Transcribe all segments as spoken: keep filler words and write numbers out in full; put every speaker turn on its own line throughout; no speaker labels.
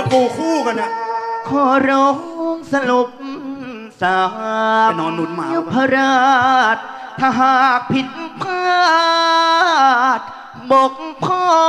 ปูคู่กันนะ
ขอร้องสรุปสา
ไปนอนหนุนหมา
พระราชถ้าหากผิดพลาดบกพร่อง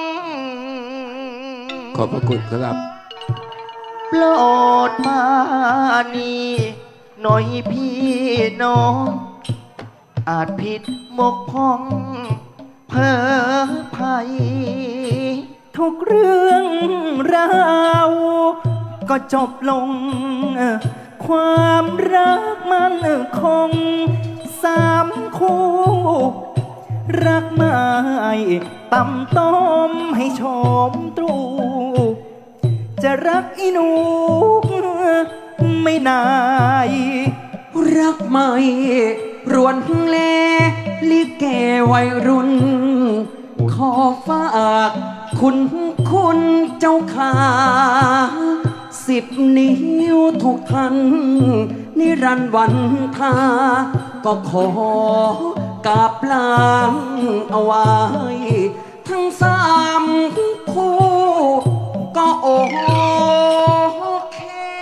ขอบพระคุณครับ
โปรดมานี่หน่อยพี่น้องอาจผิดบกพร่องเพ้อภัย
ทุกเรื่องราวก็จบลงความรักมันคงสามคู่รักไม่ต่ำต้มให้ชมตรูจะรักอีหนูไม่นาย
รักไม่รวนเลลิเกวัยรุ่นขอฝากคุณคุณเจ้าขาสิบนิ้วทุกท่านนิรันดร์วันทาก็ขอกราบลางเอาไว้ทั้งสามคู่ก็โอเค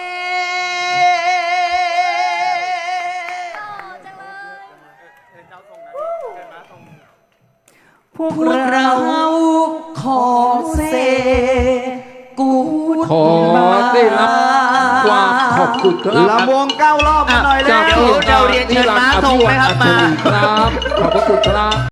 พวก
เราขอเซกู
ขอได้รับความขอบคุณครับ
ลำวงเก้ารอบมาหน่อยเลย
เดี๋ยวเดี๋ยวเรียนเชิญม้าทรงนะครับมา
ครับขอบพระคุณครับ